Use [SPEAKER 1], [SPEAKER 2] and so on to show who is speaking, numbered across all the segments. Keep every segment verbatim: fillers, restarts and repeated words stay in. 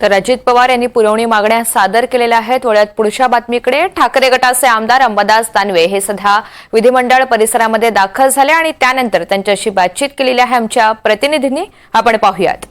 [SPEAKER 1] तर अजित पवार यांनी पुरवणी मागण्या सादर केलेल्या आहेत। वळ्यात पुढच्या बातमीकडे ठाकरे गटाचे आमदार अंबादास दानवे हे सध्या विधिमंडळ परिसरामध्ये दाखल झाले आणि त्यानंतर त्यांच्याशी बातचीत केलेली आहे आमच्या प्रतिनिधींनी। आपण पाहूयात।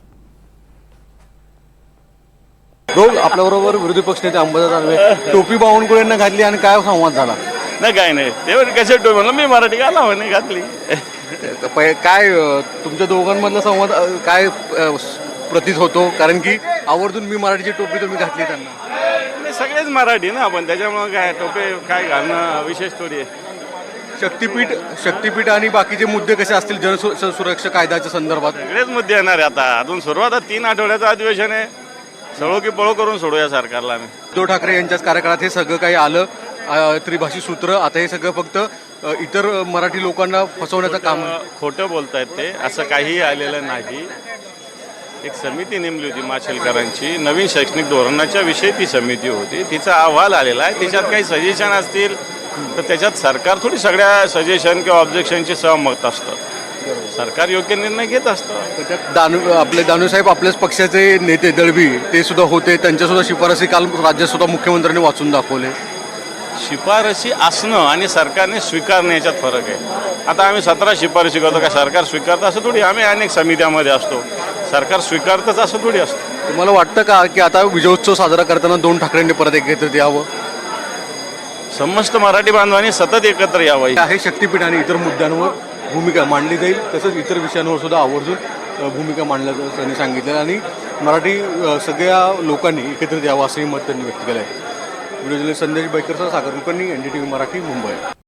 [SPEAKER 2] रोल आपल्याबरोबर विरोधी पक्षनेते अंबादास दानवे टोपी बावनकुळेंना घातली आणि काय संवाद झाला?
[SPEAKER 3] नाही काय नाही ते कसे टोपी म्हणलं मी मराठी घाला म्हणे घातली।
[SPEAKER 2] काय तुमच्या दोघांमधला संवाद काय प्रतीत होतो? कारण की आवर्जून मी मराठीची टोपी तुम्ही घातली त्यांना।
[SPEAKER 3] नाही सगळेच मराठी ना आपण, त्याच्यामुळे काय टोपी काय घालणं विशेष थोडी आहे।
[SPEAKER 2] शक्तीपीठ शक्तीपीठ आणि बाकीचे मुद्दे कसे असतील जनसुरक्षा कायद्याच्या संदर्भात?
[SPEAKER 3] सगळेच मुद्दे येणार आहे आता। अजून सुरुवात तीन आठवड्याचं अधिवेशन आहे, सळो की पळो करून सोडूया सरकारला आम्ही।
[SPEAKER 2] उद्धव ठाकरे यांच्याच कार्यकाळात हे सगळं काही आलं, त्रिभाषी सूत्र, आता हे सगळं फक्त इतर मराठी लोकांना फसवण्याचं काम।
[SPEAKER 3] खोटं बोलतायत ते, असं काहीही आलेलं नाही। एक समिती नेमली होती माशेलकरांची, नवीन शैक्षणिक धोरणाच्या विषयी ती समिती होती, तिचा अहवाल आलेला आहे। त्याच्यात काही सजेशन असतील तर त्याच्यात सरकार थोडी सगळ्या सजेशन किंवा ऑब्जेक्शनची सहमत असतं, सरकार योग्य निर्णय घेत असतं।
[SPEAKER 2] त्याच्यात दानवे आपले दानवे साहेब आपल्याच पक्षाचे नेते दळवी ते सुद्धा होते, त्यांच्या सुद्धा शिफारसी काल राज्यात सुद्धा मुख्यमंत्र्यांनी वाचून दाखवले।
[SPEAKER 3] शिफारसी असणं आणि सरकारने स्वीकारणं याच्यात फरक आहे। आता आम्ही सतरा शिफारसी करतो, का सरकार स्वीकारतं असं थोडी? आम्ही अनेक समित्यामध्ये असतो, सरकार स्वीकारतंच असं थोडी असतं।
[SPEAKER 2] तुम्हाला वाटतं का की आता विजयोत्सव साजरा करताना दोन ठाकरेंनी परत एकत्रित यावं?
[SPEAKER 3] समस्त मराठी बांधवांनी सतत एकत्र यावं।
[SPEAKER 2] आहे शक्तीपीठ आणि इतर मुद्द्यांवर भूमिका मांडली जाईल, तसंच इतर विषयांवर सुद्धा आवर्जून भूमिका मांडल्याचं त्यांनी सांगितलं आणि मराठी सगळ्या लोकांनी एकत्रित यावं असंही मत त्यांनी व्यक्त केलं आहे। व्हिडिओ जर्नलिस्ट संदेश बैकरसह Sagar Kulkarni, N D T V Marathi, Mumbai.